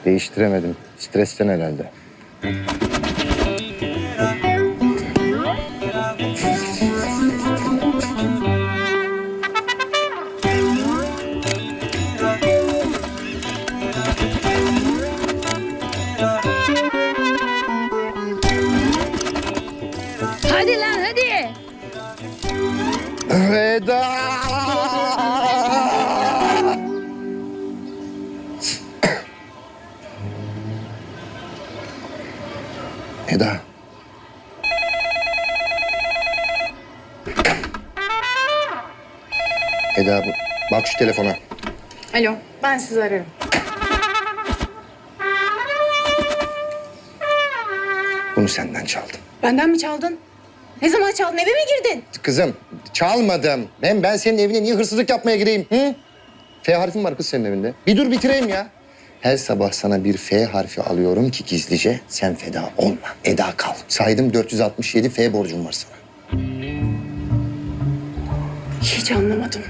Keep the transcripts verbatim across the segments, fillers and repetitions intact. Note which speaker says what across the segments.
Speaker 1: Değiştiremedim. Stresten herhalde.
Speaker 2: Hadi lan hadi.
Speaker 1: Veda! Eda. Eda, bu- bak şu telefona.
Speaker 3: Alo, ben sizi ararım.
Speaker 1: Bunu senden çaldım.
Speaker 3: Benden mi çaldın? Ne zaman çaldın? Eve mi girdin?
Speaker 1: Kızım, çalmadım. Ben ben senin evine niye hırsızlık yapmaya gireyim? Hı? F harfim var kız senin evinde. Bir dur bitireyim ya. Her sabah sana bir F harfi alıyorum ki gizlice sen feda olma. Eda kal. Saydım dört yüz altmış yedi F borcum var sana.
Speaker 3: Hiç anlamadım.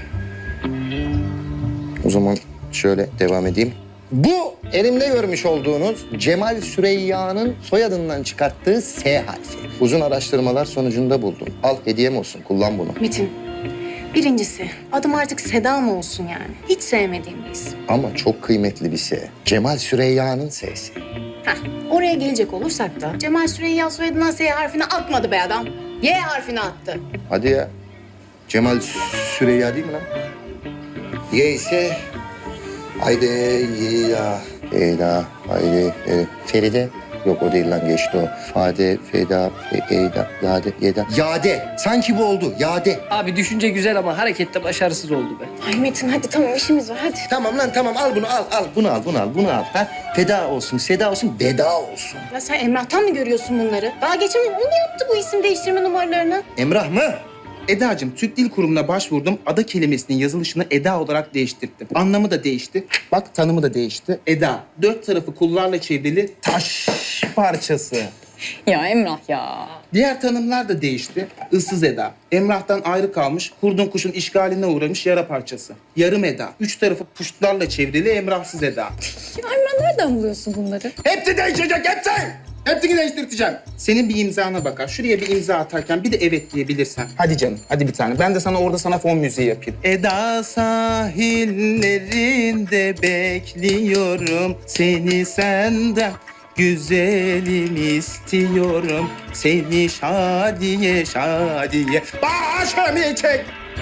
Speaker 1: O zaman şöyle devam edeyim. Bu elimde görmüş olduğunuz Cemal Süreyya'nın soyadından çıkarttığı S harfi. Uzun araştırmalar sonucunda buldum. Al hediyem olsun, kullan bunu.
Speaker 3: Metin, birincisi adım artık Seda mı olsun yani? Hiç sevmediğim bir isim.
Speaker 1: Ama çok kıymetli bir S. Cemal Süreyya'nın S'si.
Speaker 3: Heh, oraya gelecek olursak da Cemal Süreyya soyadından S harfini atmadı be adam. Y harfini attı.
Speaker 1: Hadi ya. Cemal Süreyya değil mi lan? Y ise... Haydi ya. Eda, haydi. E, Feride. Yok o değil lan geçti o. Fade, Feda, Fe, Eyda, Yade, Yeda. Yade. Sanki bu oldu. Yade.
Speaker 4: Abi düşünce güzel ama harekette başarısız oldu be.
Speaker 3: Ay Metin hadi tamam işimiz var hadi.
Speaker 1: Tamam lan tamam al bunu al al. Bunu al bunu al bunu al. Ha? Feda olsun, seda olsun, veda olsun.
Speaker 3: Ya sen Emrah'tan mı görüyorsun bunları? Daha geçen gün o mu yaptı bu isim değiştirme numaralarını?
Speaker 1: Emrah mı?
Speaker 5: Eda'cığım Türk Dil Kurumu'na başvurdum. Ada kelimesinin yazılışını Eda olarak değiştirdim. Anlamı da değişti. Bak tanımı da değişti. Eda, dört tarafı kullarla çevrili taş parçası.
Speaker 2: Ya Emrah ya.
Speaker 5: Diğer tanımlar da değişti. Issız Eda, Emrah'tan ayrı kalmış, kurdun kuşun işgaline uğramış yara parçası. Yarım Eda, üç tarafı puştlarla çevrili Emrahsız Eda.
Speaker 2: Ya Emrah nereden buluyorsun bunları?
Speaker 5: Hepsi değişecek, hepsi! Hepsini değiştireceğim. Senin bir imzana bakar. Şuraya bir imza atarken bir de evet diyebilirsen. Hadi canım, hadi bir tane. Ben de sana orada sana fon müziği yapayım. Eda sahillerinde bekliyorum. Seni senden güzelim istiyorum. Seni şadiye şadiye başımı çek.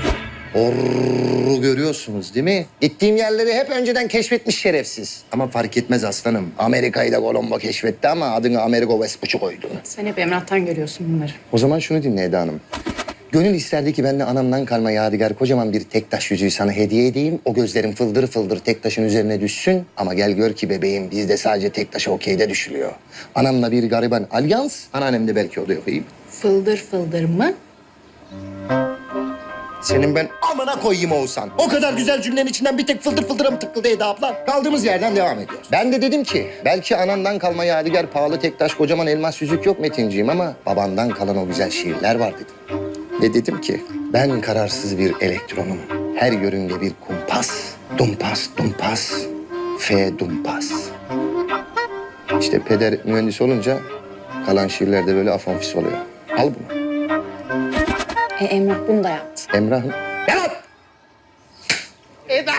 Speaker 1: Orru görüyorsunuz değil mi? Gittiğim yerleri hep önceden keşfetmiş şerefsiz. Ama fark etmez aslanım. Amerika'yı da Colombo keşfetti ama adını Amerigo Vespucci koydu.
Speaker 3: Sen hep Emrah'tan görüyorsun bunları.
Speaker 1: O zaman şunu dinle Eda Hanım. Gönül isterdi ki ben de anamdan kalma yadigar kocaman bir tek taş yüzüğü sana hediye edeyim. O gözlerin fıldır fıldır tek taşın üzerine düşsün. Ama gel gör ki bebeğim bizde sadece tek taşa okeyde düşülüyor. Anamla bir gariban alyans, anneannem de belki odaya koyayım.
Speaker 3: Fıldır fıldır mı?
Speaker 1: Senin ben amına koyayım Oğuzhan. O kadar güzel cümlenin içinden bir tek fıldır fıldıra mı tıkıldı Eda abla? Kaldığımız yerden devam ediyoruz. Ben de dedim ki belki anandan kalma yadigar pahalı tek taş kocaman elmas yüzük yok Metinciğim ama babandan kalan o güzel şiirler var dedim. Ve dedim ki ben kararsız bir elektronum. Her yörünge bir kumpas. Dumpas dumpas. F dumpas. İşte peder mühendis olunca kalan şiirler de böyle afonfis oluyor. Al bunu.
Speaker 3: E Emrah bunu da yaptı.
Speaker 1: Emrah'ım. Yalan!
Speaker 5: Eda!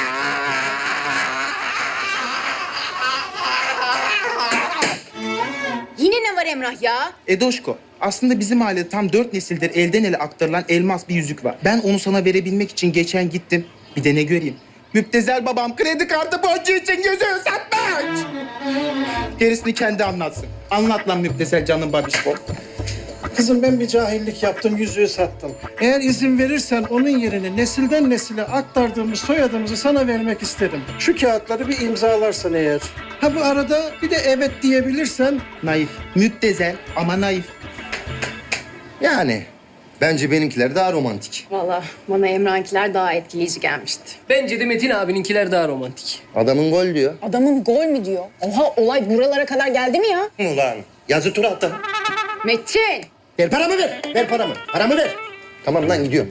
Speaker 3: Yine ne var Emrah ya?
Speaker 5: Edoşko, aslında bizim ailede tam dört nesildir elden ele aktarılan elmas bir yüzük var. Ben onu sana verebilmek için geçen gittim. Bir de ne göreyim? Müptezel babam kredi kartı borcu için yüzüğü satmış. Gerisini kendi anlatsın. Anlat lan müptezel canım babişko.
Speaker 6: Kızım ben bir cahillik yaptım, yüzüğü sattım. Eğer izin verirsen onun yerine nesilden nesile aktardığımız soyadımızı sana vermek isterim. Şu kağıtları bir imzalarsan eğer. Ha bu arada bir de evet diyebilirsen.
Speaker 5: Naif. Müptezel ama naif.
Speaker 1: Yani bence benimkiler daha romantik.
Speaker 3: Vallahi bana Emrah'ınkiler daha etkileyici gelmişti.
Speaker 4: Bence de Metin abininkiler daha romantik.
Speaker 1: Adamın gol diyor.
Speaker 2: Adamın gol mü diyor?
Speaker 3: Oha olay buralara kadar geldi mi ya?
Speaker 1: Ulan yazı tura attın.
Speaker 3: Metin!
Speaker 1: Ver paramı ver. Ver paramı. Paramı ver. Tamam lan gidiyorum.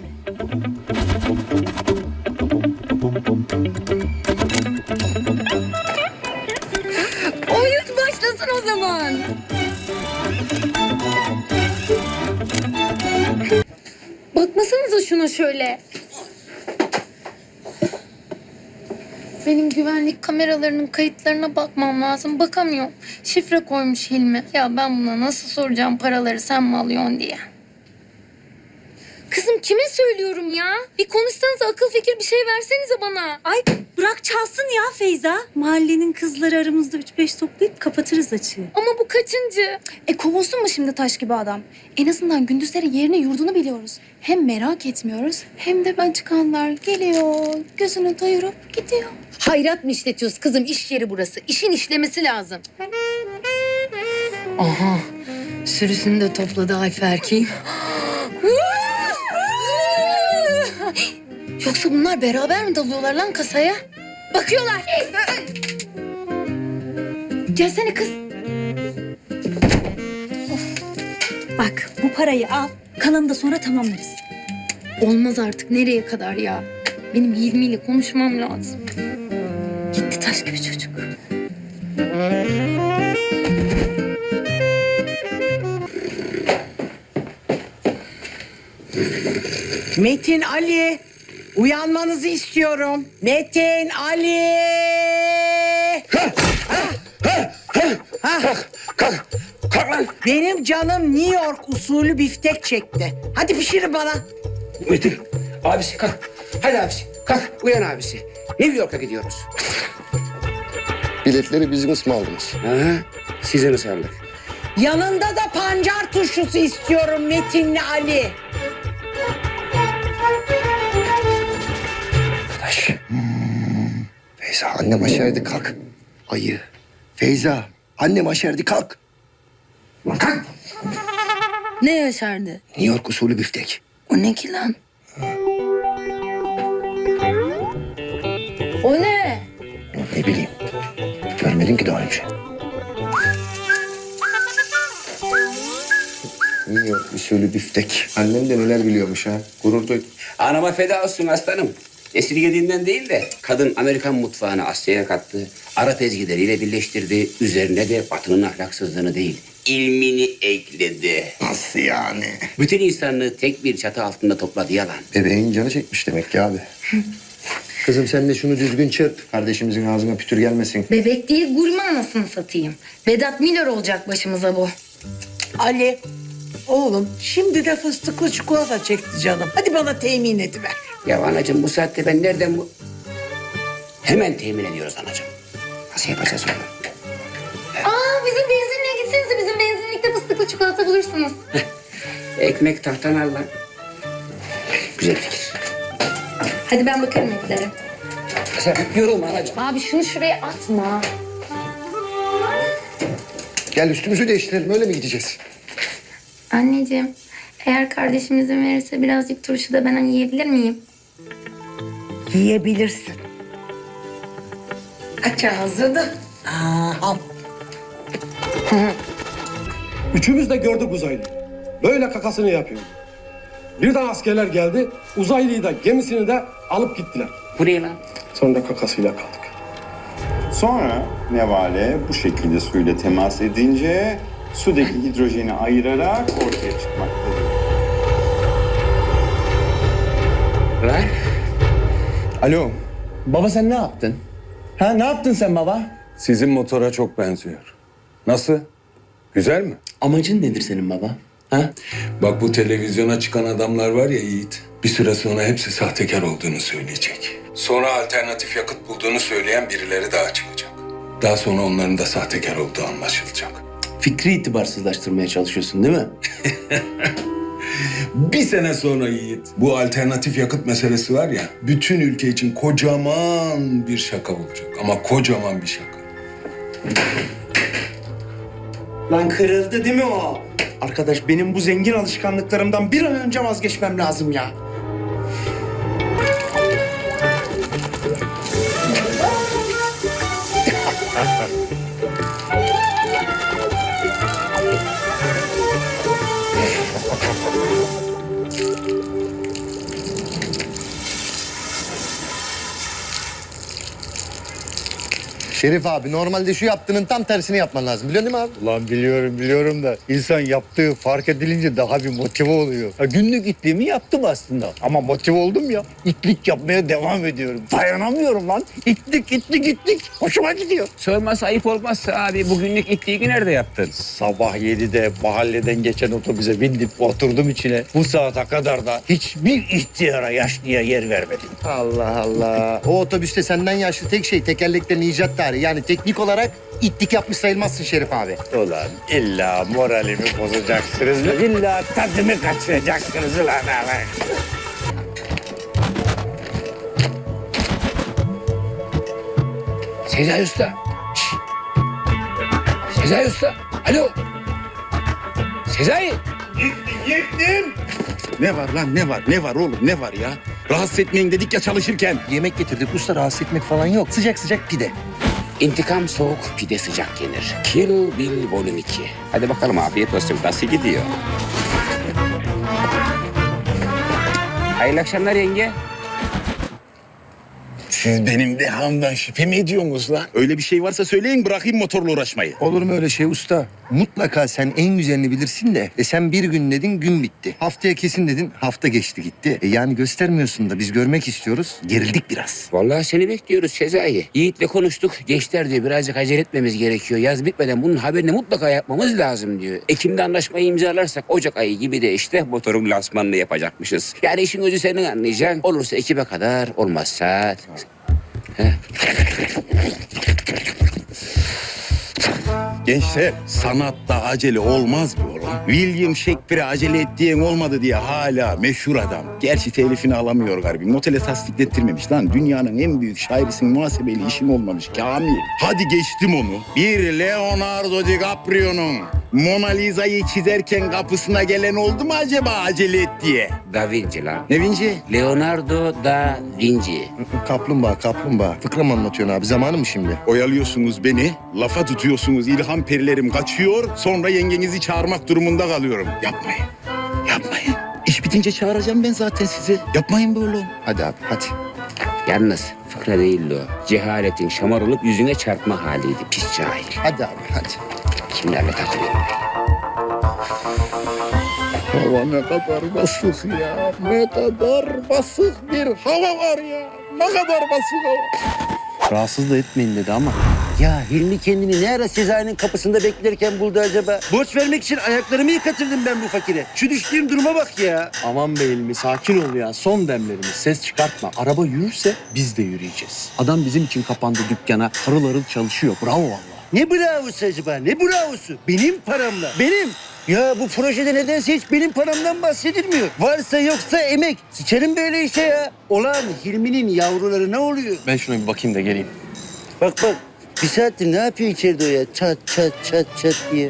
Speaker 2: zaman. Bakmasanıza şuna şöyle.
Speaker 7: Benim güvenlik kameralarının kayıtlarına bakmam lazım. Bakamıyorum. Şifre koymuş Hilmi. Ya ben buna nasıl soracağım paraları sen mi alıyorsun diye.
Speaker 2: Kızım kime söylüyorum ya? Bir konuşsanız akıl fikir bir şey versenize bana.
Speaker 8: Ay bırak çalsın ya Feyza. Mahallenin kızları aramızda üç beş toplayıp kapatırız açığı.
Speaker 2: Ama bu kaçıncı?
Speaker 9: E kovulsun mu şimdi taş gibi adam? En azından gündüzleri yerini yurdunu biliyoruz. Hem merak etmiyoruz hem de ben çıkanlar geliyor, gözünü doyurup gidiyor.
Speaker 3: Hayrat mı işletiyoruz kızım? İş yeri burası. İşin işlemesi lazım. Aha. Sürüsünü de topladı Ayfer erkeğim. Yoksa bunlar beraber mi dalıyorlar lan kasaya? Bakıyorlar. Gelsene kız.
Speaker 8: Bak bu parayı al. Kalanını da sonra tamamlarız.
Speaker 7: Olmaz artık. Nereye kadar ya? Benim Hilmi ile konuşmam lazım.
Speaker 8: Gitti taş gibi çocuk.
Speaker 10: Metin Ali, uyanmanızı istiyorum. Metin Ali.
Speaker 1: Kalk, kalk, kalk lan.
Speaker 10: Benim canım New York usulü biftek çekti. Hadi pişirin bana.
Speaker 11: Metin, abisi kalk. Hadi abisi, kalk. Uyan abisi. New York'a gidiyoruz.
Speaker 1: Biletleri bizim mi aldınız?
Speaker 11: Ha, size ısmarladık.
Speaker 10: Yanında da pancar turşusu istiyorum Metinli Ali.
Speaker 1: Arkadaş. Feyza, annem aşerdi kalk. Ayı. Feyza, annem aşerdi kalk. Kalk.
Speaker 7: Ne yaşardı?
Speaker 1: New York usulü biftek.
Speaker 7: O ne ki lan?
Speaker 2: O ne?
Speaker 1: Ne bileyim. Görmedin ki daha önce. New York usulü biftek. Annem de neler biliyormuş ha. Gurur duydum.
Speaker 11: Anama feda olsun aslanım. Esirgediğinden değil de kadın Amerikan mutfağını Asya'ya kattı. Arap ezgileriyle birleştirdi. Üzerine de Batı'nın ahlaksızlığını değil, ilmini ekledi.
Speaker 1: Nasıl yani?
Speaker 11: Bütün insanlığı tek bir çatı altında topladı yalan.
Speaker 1: Bebeğin canı çekmiş demek ki abi. Kızım sen de şunu düzgün çırp. Kardeşimizin ağzına pütür gelmesin.
Speaker 7: Bebek değil gurme anasını satayım. Vedat Milor olacak başımıza bu.
Speaker 10: Ali, oğlum şimdi de fıstıklı çikolata çekti canım. Hadi bana temin ediver.
Speaker 11: Ya anacığım bu saatte ben nereden bu... Hemen temin ediyoruz anacığım. Nasıl yapacağız onu?
Speaker 7: Aa bizim benzinliğe gitsenize. Bizim benzinlikte fıstıklı çikolata bulursunuz.
Speaker 11: Ekmek tahtan al lan. Güzel fikir.
Speaker 7: Hadi ben bakarım etlere.
Speaker 11: Sen yorulma anacığım.
Speaker 7: Abi şunu şuraya atma.
Speaker 1: Gel üstümüzü değiştirelim öyle mi gideceğiz?
Speaker 7: Anneciğim eğer kardeşim izin verirse birazcık turşu da ben hani yiyebilir miyim?
Speaker 10: Yiyebilirsin. Aç ağzını. Aa, al.
Speaker 12: Üçümüz de gördük uzaylıyı. Böyle kakasını yapıyor. Birden askerler geldi, uzaylıyı da gemisini de alıp gittiler.
Speaker 11: Buraya lan.
Speaker 12: Sonra kakasıyla kaldık.
Speaker 13: Sonra nevale bu şekilde suyla temas edince sudaki hidrojeni ayırarak ortaya çıkmaktadır.
Speaker 11: Lan.
Speaker 14: Alo. Baba sen ne yaptın? Ha ne yaptın sen baba?
Speaker 15: Sizin motora çok benziyor. Nasıl? Güzel mi?
Speaker 11: Amacın nedir senin baba? Ha?
Speaker 15: Bak bu televizyona çıkan adamlar var ya Yiğit. Bir süre sonra hepsi sahtekar olduğunu söyleyecek. Sonra alternatif yakıt bulduğunu söyleyen birileri daha çıkacak. Daha sonra onların da sahtekar olduğu anlaşılacak.
Speaker 11: Fikri itibarsızlaştırmaya çalışıyorsun değil mi?
Speaker 15: Bir sene sonra Yiğit, bu alternatif yakıt meselesi var ya, bütün ülke için kocaman bir şaka olacak. Ama kocaman bir şaka.
Speaker 5: Lan kırıldı değil mi o? Arkadaş benim bu zengin alışkanlıklarımdan bir an önce vazgeçmem lazım ya.
Speaker 1: Şerif abi normalde şu yaptığının tam tersini yapman lazım. Biliyorsun değil mi abi?
Speaker 16: Ulan biliyorum biliyorum da insan yaptığı fark edilince daha bir motive oluyor. Ha, günlük itliğimi yaptım aslında ama motive oldum ya. İtlik yapmaya devam ediyorum. Dayanamıyorum lan. İtlik itlik itlik. Hoşuma gidiyor.
Speaker 11: Sorması ayıp olmazsa abi bugünlük itliği nerede yaptın?
Speaker 16: Sabah yedide mahalleden geçen otobüse bindim oturdum içine. Bu saate kadar da hiçbir ihtiyara yaşlıya yer vermedim.
Speaker 1: Allah Allah. O otobüste senden yaşlı tek şey tekerleklerin icat tarihi. Yani teknik olarak itlik yapmış sayılmazsın Şerif abi.
Speaker 16: Ulan illa moralimi bozacaksınız. İlla tadımı kaçıracaksınız ulan abi.
Speaker 11: Sezai Usta. Şşş. Sezai Usta. Alo. Sezai.
Speaker 5: Gittim. Ne var lan ne var ne var oğlum ne var ya? Rahatsız etmeyin dedik ya çalışırken.
Speaker 1: Yemek getirdik usta, rahatsız etmek falan yok. Sıcak sıcak pide.
Speaker 11: İntikam soğuk, pide sıcak yenir. Kill Bill Volume iki. Hadi bakalım afiyet olsun. Nasıl gidiyor? Hayırlı akşamlar yenge.
Speaker 5: Siz benim dehamdan şüphe mi ediyorsunuz lan? Öyle bir şey varsa söyleyin bırakayım motorla uğraşmayı.
Speaker 1: Olur mu öyle şey usta? Mutlaka sen en güzelini bilirsin de. E sen bir gün dedin gün bitti. Haftaya kesin dedin hafta geçti gitti. E yani göstermiyorsun da biz görmek istiyoruz. Gerildik biraz.
Speaker 11: Vallahi seni bekliyoruz Sezai. Yiğit'le konuştuk. Gençler diyor birazcık acele etmemiz gerekiyor. Yaz bitmeden bunun haberini mutlaka yapmamız lazım diyor. Ekim'de anlaşmayı imzalarsak Ocak ayı gibi de işte motorun lansmanını yapacakmışız. Yani işin özü senin anlayacaksın. Olursa Ekim'e kadar, olmazsa... Heh.
Speaker 5: Gençler sanatta acele olmaz mı oğlum? William Shakespeare'e acele ettiğin olmadı diye hala meşhur adam. Gerçi telifini alamıyor galiba. Notele tasdiklettirmemiş lan. Dünyanın en büyük şairisin muhasebeli işin olmamış Kamil. Hadi geçtim onu. Bir Leonardo DiCaprio'nun Mona Lisa'yı çizerken kapısına gelen oldu mu acaba acele et diye?
Speaker 11: Da Vinci lan.
Speaker 5: Ne Vinci?
Speaker 11: Leonardo da Vinci.
Speaker 1: Kaplumbağa kaplumbağa. Fıkra mı anlatıyorsun abi? Zamanı mı şimdi?
Speaker 5: Oyalıyorsunuz beni, lafa tutuyorsunuz, ilham perilerim kaçıyor, sonra yengenizi çağırmak durumunda kalıyorum. Yapmayın, yapmayın. İş bitince çağıracağım ben zaten sizi. Yapmayın böyle.
Speaker 1: Hadi abi hadi.
Speaker 11: Yalnız fıkra değildi o. Cehaletin şamar olup yüzüne çarpma haliydi. Pis cahil.
Speaker 1: Hadi abi hadi.
Speaker 11: Kimlerle takılıyorum ben?
Speaker 5: Hava ne kadar basık ya. Ne kadar basık bir hava var ya. Ne kadar basık hava.
Speaker 14: Rahatsız da etmeyin dedi ama.
Speaker 17: Ya Hilmi kendini ne ara Sezai'nin kapısında beklerken buldu acaba? Borç vermek için ayaklarımı yıkatırdım ben bu fakire. Şu düştüğüm duruma bak ya.
Speaker 14: Aman be Hilmi sakin ol ya. Son demlerimiz. Ses çıkartma. Araba yürürse biz de yürüyeceğiz. Adam bizim için kapandı dükkana. Harıl harıl çalışıyor. Bravo vallahi.
Speaker 17: Ne bravosu acaba? Ne bravosu? Benim paramla. Benim. Ya bu projede nedense hiç benim paramdan bahsedilmiyor. Varsa yoksa emek. Sıçarım böyle işe ya. Olan Hilmi'nin yavruları ne oluyor?
Speaker 14: Ben şuna bir bakayım da geleyim.
Speaker 17: Bak bak. Bir saattir ne yapıyor içeride o ya? Çat çat çat çat diye.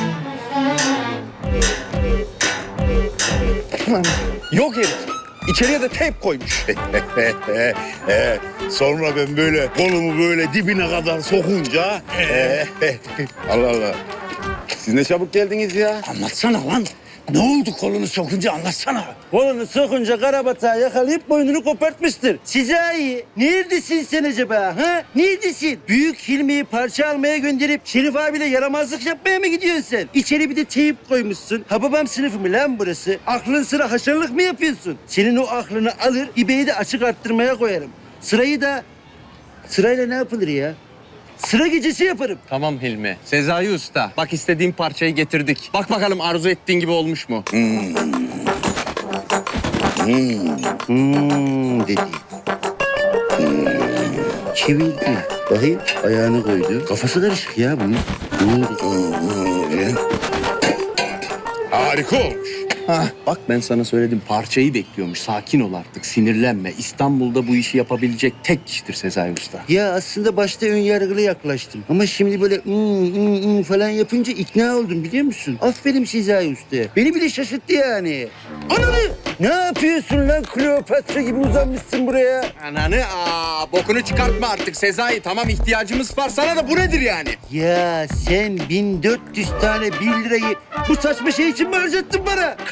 Speaker 5: Yok herif. İçeriye de teyp koymuş. Ee, sonra ben böyle kolumu böyle dibine kadar sokunca... ee, Allah Allah. Siz ne çabuk geldiniz ya.
Speaker 17: Anlatsana lan. Ne oldu kolunu sokunca anlatsana. Kolunu sokunca karabatağı yakalayıp boynunu kopartmıştır. Sezai, neredesin sen acaba ha? Neredesin? Büyük Hilmi'yi parça almaya gönderip Şerif abiyle yaramazlık yapmaya mı gidiyorsun sen? İçeri bir de teyip koymuşsun. Ha babam sınıfı mı lan burası? Aklın sıra haşarlık mı yapıyorsun? Senin o aklını alır, İbe'yi de açık arttırmaya koyarım. Sırayı da... Sırayla ne yapılır ya? Sıra gecesi yaparım.
Speaker 14: Tamam Hilmi. Sezai Usta. Bak istediğim parçayı getirdik. Bak bakalım arzu ettiğin gibi olmuş mu?
Speaker 17: Hmm. Hmm. Hmm dedi. Hmm. Çevirdi. Bakayım ayağını koydu. Kafası karışık ya bunun. Hmm.
Speaker 5: Harika olmuş.
Speaker 14: Hah, bak ben sana söyledim. Parçayı bekliyormuş. Sakin ol artık. Sinirlenme. İstanbul'da bu işi yapabilecek tek kişidir Sezai Usta.
Speaker 17: Ya aslında başta ön yargılı yaklaştım. Ama şimdi böyle ım ım ım falan yapınca ikna oldum biliyor musun? Aferin Sezai Usta'ya. Beni bile şaşırttı yani. Ananı! Ne yapıyorsun lan Kleopatra gibi uzanmışsın buraya?
Speaker 14: Ananı aa, bokunu çıkartma artık Sezai. Tamam ihtiyacımız var. Sana da bu nedir yani?
Speaker 17: Ya sen bin dört yüz tane bir lirayı bu saçma şey için mi harcattın bana?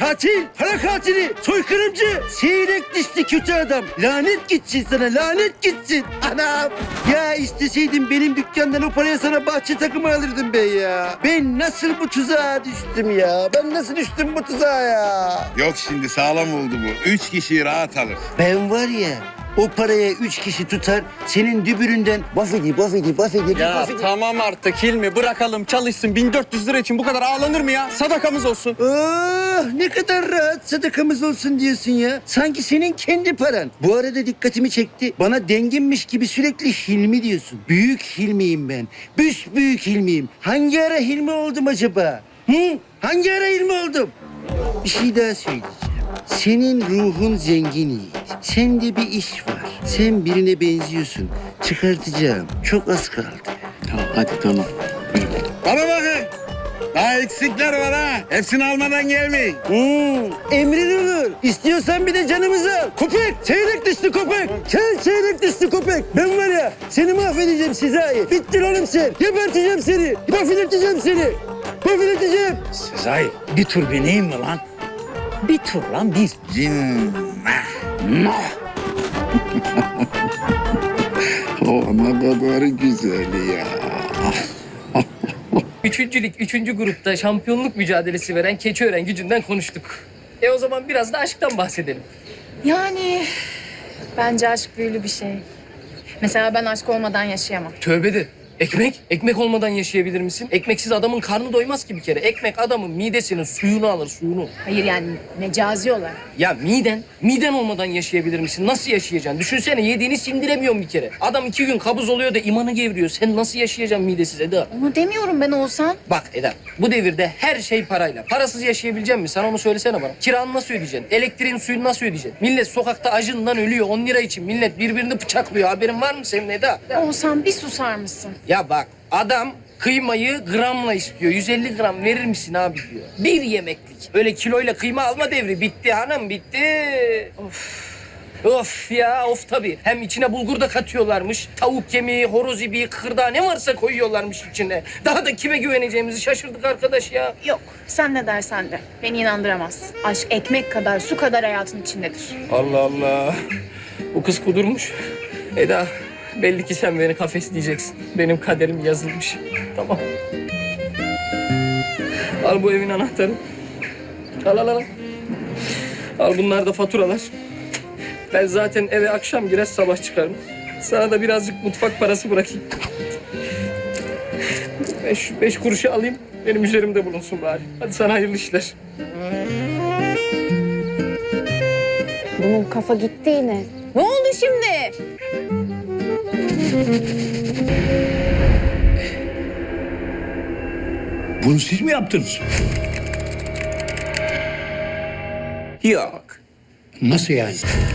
Speaker 17: Katil, para katili, soykırımcı, seyrek dişli kötü adam. Lanet gitsin sana, lanet gitsin. Anam. Ya isteseydin benim dükkandan o paraya sana bahçe takımı alırdım ben ya. Ben nasıl bu tuzağa düştüm ya? Ben nasıl düştüm bu tuzağa ya?
Speaker 18: Yok şimdi sağlam oldu bu. Üç kişiyi rahat alır.
Speaker 17: Ben var ya, o paraya üç kişi tutar, senin dübüründen bafedi, bafedi, bafedi,
Speaker 14: Ya
Speaker 17: bafedi.
Speaker 14: tamam artık Hilmi bırakalım çalışsın. bin dört yüz lira için bu kadar ağlanır mı ya? Sadakamız olsun.
Speaker 17: Oh, ne kadar rahat sadakamız olsun diyorsun ya. Sanki senin kendi paran. Bu arada dikkatimi çekti. Bana denginmiş gibi sürekli Hilmi diyorsun. Büyük Hilmiyim ben. Büyük Hilmiyim. Hangi ara Hilmi oldum acaba? Hı? Hangi ara Hilmi oldum? Bir şey daha söyleyeceğim. Senin ruhun zengin Yiğit. Sende bir iş var. Sen birine benziyorsun. Çıkartacağım. Çok az kaldı.
Speaker 14: Tamam hadi tamam.
Speaker 18: Bana bakın. Daha eksikler var ha. Hepsini almadan gelmeyin.
Speaker 17: Hmm, emrin olur. İstiyorsan bir de canımızı al. Köpek, çeyrek dişli köpek. Sen çeyrek dişli köpek. Ben var ya seni mahvedeceğim Sezai. Bittin oğlum sen. Geberteceğim seni. Mahvedeceğim seni. Mahvedeceğim.
Speaker 16: Sezai bir tur bineyim mi lan? Bir tur lan bir.
Speaker 18: Cinnah. Nah. O ne kadar güzel ya.
Speaker 4: Üçüncülük, üçüncü grupta şampiyonluk mücadelesi veren Keçiören Gücü'nden konuştuk. E o zaman biraz da aşktan bahsedelim.
Speaker 3: Yani bence aşk büyülü bir şey. Mesela ben aşk olmadan yaşayamam.
Speaker 4: Tövbe de. Ekmek? Ekmek olmadan yaşayabilir misin? Ekmeksiz adamın karnı doymaz ki bir kere. Ekmek adamın midesinin suyunu alır, suyunu.
Speaker 3: Hayır yani mecazi olarak.
Speaker 4: Ya miden, miden olmadan yaşayabilir misin? Nasıl yaşayacaksın? Düşünsene yediğini sindiremiyorsun bir kere. Adam iki gün kabuz oluyor da imanı gevriyor. Sen nasıl yaşayacaksın midesiz Eda?
Speaker 3: Onu demiyorum ben Oğuzhan.
Speaker 4: Bak Eda, bu devirde her şey parayla. Parasız yaşayabilecek misin? Sen onu söylesene bana. Kiranı nasıl ödeyeceksin? Elektriğin, suyunu nasıl ödeyeceksin? Millet sokakta acından ölüyor on lira için. Millet birbirini bıçaklıyor. Haberin var mı senin Eda?
Speaker 3: Oğuzhan bir susar mısın?
Speaker 4: Ya bak adam kıymayı gramla istiyor. yüz elli gram verir misin abi diyor. Bir yemeklik. Öyle kiloyla kıyma alma devri. Bitti hanım bitti. Of. Of ya of tabii. Hem içine bulgur da katıyorlarmış. Tavuk kemiği, horoz ibiği, kıkırdağı ne varsa koyuyorlarmış içine. Daha da kime güveneceğimizi şaşırdık arkadaş ya.
Speaker 3: Yok sen ne dersen de beni inandıramazsın. Aşk ekmek kadar su kadar hayatın içindedir.
Speaker 4: Allah Allah. Bu kız kudurmuş. Eda belli ki sen beni kafesleyeceksin. Benim kaderim yazılmış. Tamam. Al bu evin anahtarı. Al al al. Al bunlar da faturalar. Ben zaten eve akşam girer sabah çıkarım. Sana da birazcık mutfak parası bırakayım. Beş, beş kuruşu alayım. Benim üzerimde bulunsun bari. Hadi sana hayırlı işler.
Speaker 3: Bunun kafa gitti yine. Ne oldu şimdi?
Speaker 16: Bunu siz mi yaptınız?
Speaker 11: Yok.
Speaker 16: Nasıl yani?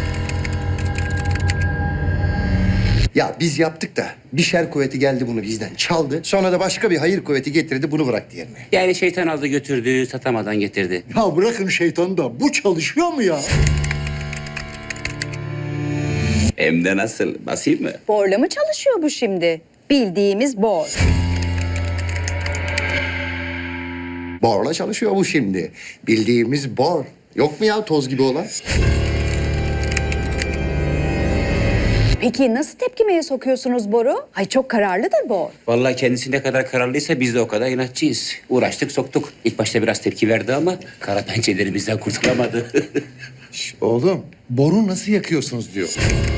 Speaker 1: Ya biz yaptık da bir şer kuvveti geldi bunu bizden çaldı. Sonra da başka bir hayır kuvveti getirdi bunu bıraktı yerine.
Speaker 11: Yani şeytan aldı götürdü, satamadan getirdi.
Speaker 16: Ya bırakın şeytanı da bu çalışıyor mu ya?
Speaker 11: Hem de nasıl? Basayım mı?
Speaker 8: Borla mı çalışıyor bu şimdi? Bildiğimiz bor.
Speaker 1: Borla çalışıyor bu şimdi. Bildiğimiz bor. Yok mu ya toz gibi olan?
Speaker 8: Peki nasıl tepkimeye sokuyorsunuz boru? Ay çok kararlıdır bor.
Speaker 11: Vallahi kendisi ne kadar kararlıysa biz de o kadar inatçıyız. Uğraştık soktuk. İlk başta biraz tepki verdi ama kara pençeleri bizden kurtulamadı.
Speaker 19: Oğlum, boru nasıl yakıyorsunuz diyor.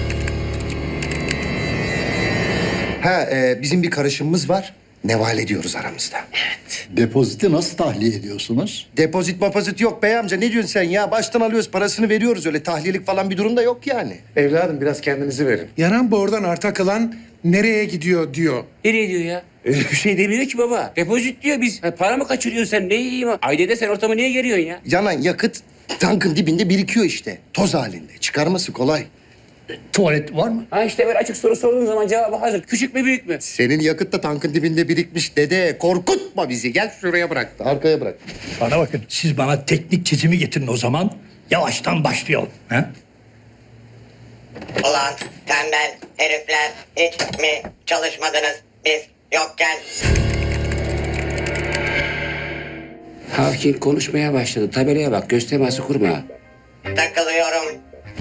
Speaker 1: Ha e, bizim bir karışımımız var. Neval ediyoruz aramızda.
Speaker 16: Evet. Depoziti nasıl tahliye ediyorsunuz?
Speaker 1: Depozit mapozit yok bey amca. Ne diyorsun sen ya? Baştan alıyoruz parasını veriyoruz. Öyle tahliyelik falan bir durum da yok yani.
Speaker 19: Evladım biraz kendinizi verin.
Speaker 5: Yanan bordan arta kalan nereye gidiyor diyor.
Speaker 11: Nereye diyor ya? Öyle bir şey demiyor ki baba. Depozit diyor biz. Ha, para mı kaçırıyorsun sen? Ne yiyeyim? Ailede sen ortamı niye geriyorsun ya?
Speaker 1: Yanan yakıt tankın dibinde birikiyor işte. Toz halinde. Çıkarması kolay.
Speaker 16: Tuvalet var mı?
Speaker 11: Ha işte böyle açık soru sorduğun zaman cevabı hazır. Küçük mü büyük mü?
Speaker 1: Senin yakıt da tankın dibinde birikmiş dede. Korkutma bizi. Gel şuraya bırak. Arkaya bırak.
Speaker 16: Bana bakın siz bana teknik çizimi getirin o zaman. Yavaştan başlayalım. He?
Speaker 20: Ulan tembel herifler hiç mi çalışmadınız biz yokken?
Speaker 11: Hawking konuşmaya başladı. Tabelaya bak, göz teması kurma.
Speaker 20: Takılıyorum.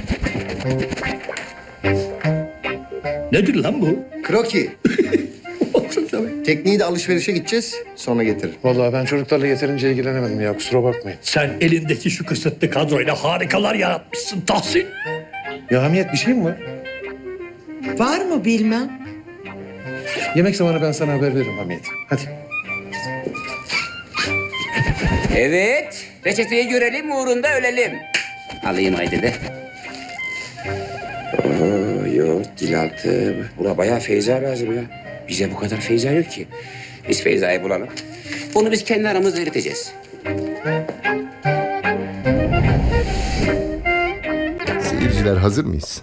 Speaker 16: Nedir lan bu?
Speaker 1: Kroki. Tekniği de alışverişe gideceğiz. Sonra getiririm.
Speaker 19: Vallahi ben çocuklarla yeterince ilgilenemedim ya, kusura bakmayın.
Speaker 16: Sen elindeki şu kısıtlı kadroyla harikalar yaratmışsın Tahsin.
Speaker 19: Ya Hamiyet, bir şey mi var?
Speaker 10: Var mı bilmem.
Speaker 19: Yemek zamanı ben sana haber veririm Hamiyet. Hadi.
Speaker 11: Evet, reçeteyi görelim, uğrunda ölelim. Alayım haydi de. Oo, yok, dil altı. Buna bayağı Feyza lazım ya. Bize bu kadar Feyza yok ki. Biz Feyza'yı bulalım. Onu biz kendi aramızda eriteceğiz.
Speaker 21: Seyirciler hazır mıyız?